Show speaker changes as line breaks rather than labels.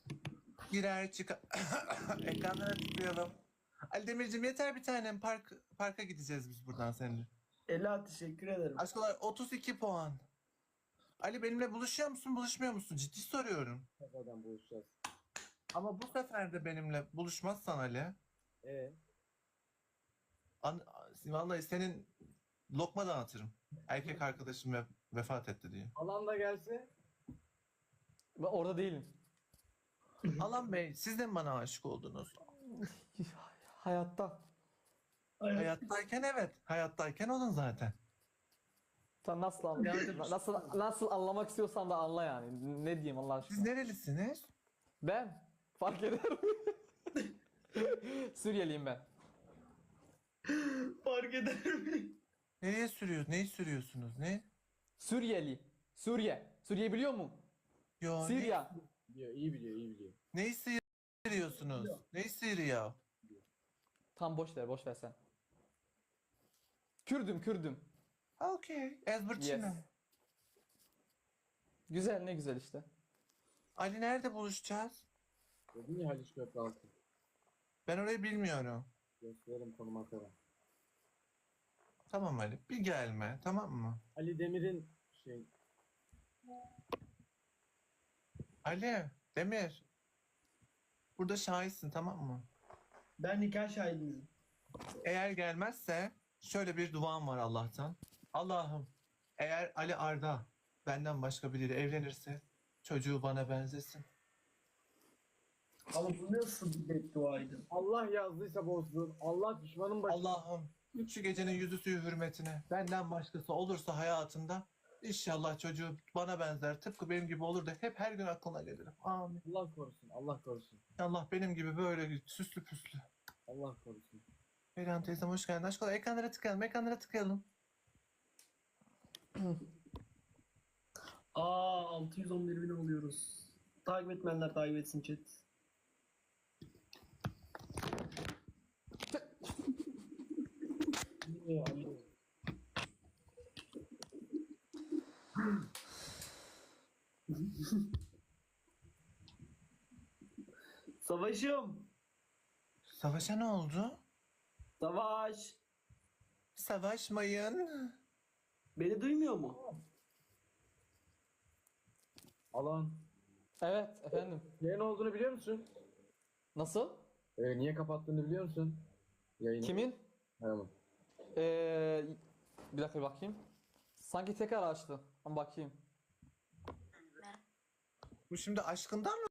Girer çıkar. Ekranlara tıklayalım. Ali Demirciğim yeter bir tanem. Parka gideceğiz biz buradan seninle.
Ela teşekkür ederim.
Aşkolar 32 puan. Ali benimle buluşuyor musun, buluşmuyor musun? Ciddi soruyorum.
Kafadan buluşacağız.
Ama bu sefer de benimle buluşmazsan Ali. Vallahi senin lokma dağıtırım. Erkek arkadaşım vefat etti diye.
Alan da gelse.
Ben orada değilim.
Alan Bey siz de mi bana aşık oldunuz?
Hayatta.
Hayattayken evet. Hayattayken olun zaten.
Sen nasıl anlamak istiyorsan da anla yani. Ne diyeyim Allah
Siz
aşkına.
nerelisiniz?
Ben fark eder mi? Suriyeliyim ben.
Fark eder mi?
Nereye sürüyorsunuz? Neyi sürüyorsunuz? Ne?
Suriyeli. Suriye. Suriye biliyor musun?
Yo,
Suriye.
Biliyor, iyi biliyor, iyi biliyor.
Neyi sıyırıyorsunuz? Neyi sıyırıyor?
Tam boş ver sen. Kürdüm.
Okay. Ezberçina.
Yes. Güzel, ne güzel işte.
Ali nerede buluşacağız?
Dedin ya Haliç Köpraltı.
Ben orayı bilmiyorum.
Gösterelim konum atarım.
Tamam Ali. Bir gelme. Tamam mı?
Ali Demir'in şey...
Ali. Demir. Burada şahitsin tamam mı?
Ben nikah şahidinizim.
Eğer gelmezse şöyle bir duam var Allah'tan. Allah'ım eğer Ali Arda benden başka biriyle evlenirse çocuğu bana benzesin.
Ama bu nasıl bir bedduaydı?
Allah yazdıysa bozdur. Allah düşmanın başı.
Allah'ım şu gecenin yüzü suyu hürmetine benden başkası olursa hayatında inşallah çocuğu bana benzer tıpkı benim gibi olur da hep her gün aklına gelirim. Amin.
Allah korusun, Allah korusun.
Allah benim gibi böyle süslü püslü.
Allah korusun.
Perihan teyzem hoş geldin. Aşkım ekranlara tıklayalım.
Aa 611 bin oluyoruz. Takip etmeyenler takip etsin chat. Savaşım.
Savaşa ne oldu?
Savaş.
Savaşmayın.
Beni duymuyor mu?
Alan.
Evet efendim.
Niye ne olduğunu biliyor musun?
Nasıl?
Niye kapattığını biliyor musun? Yayını.
Kimin?
Tamam.
Bir dakika bir bakayım. Sanki tekrar açtı. Ama bakayım.
Bu şimdi aşkından mı